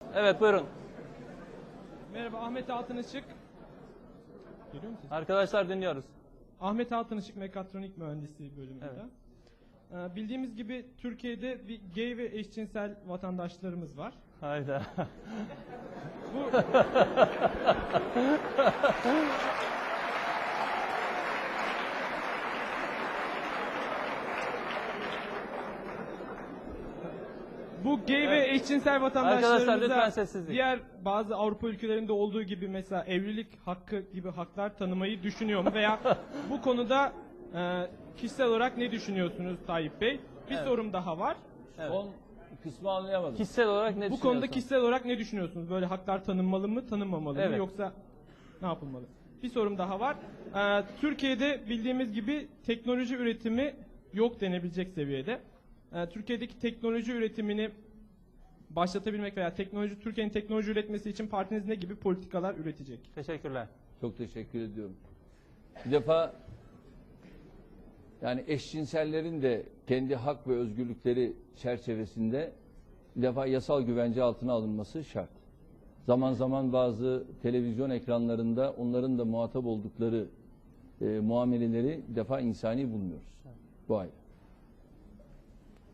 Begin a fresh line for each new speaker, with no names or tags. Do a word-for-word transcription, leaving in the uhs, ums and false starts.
Evet, buyurun.
Merhaba, Ahmet Altınışık. Görüyor musunuz?
Arkadaşlar dinliyoruz.
Ahmet Altınışık Mekatronik Mühendisliği bölümünde.
Evet.
Ee, bildiğimiz gibi Türkiye'de bir gay ve eşcinsel vatandaşlarımız var.
Hayda.
Bu Bu gay ve eşcinsel
Arkadaşlar lütfen
vatandaşlarımıza
sessizlik.
diğer bazı Avrupa ülkelerinde olduğu gibi mesela evlilik hakkı gibi haklar tanımayı düşünüyor mu? Veya bu konuda e, kişisel olarak ne düşünüyorsunuz Tayyip Bey? Bir
Evet.
sorum daha var.
Evet.
Son kısmı anlayamadım.
Kişisel olarak ne
Bu
düşünüyorsun?
konuda kişisel olarak ne düşünüyorsunuz? Böyle haklar tanınmalı mı, tanınmamalı mı
Evet.
yoksa ne yapılmalı? Bir sorum daha var. Ee, Türkiye'de bildiğimiz gibi teknoloji üretimi yok denebilecek seviyede. Ee, Türkiye'deki teknoloji üretimini başlatabilmek veya teknoloji Türkiye'nin teknoloji üretmesi için partiniz ne gibi politikalar üretecek?
Teşekkürler.
Çok teşekkür ediyorum. Bir defa yani eşcinsellerin de kendi hak ve özgürlükleri çerçevesinde bir defa yasal güvence altına alınması şart. Zaman zaman bazı televizyon ekranlarında onların da muhatap oldukları e, muameleleri bir defa insani bulmuyoruz. Bu ayrı.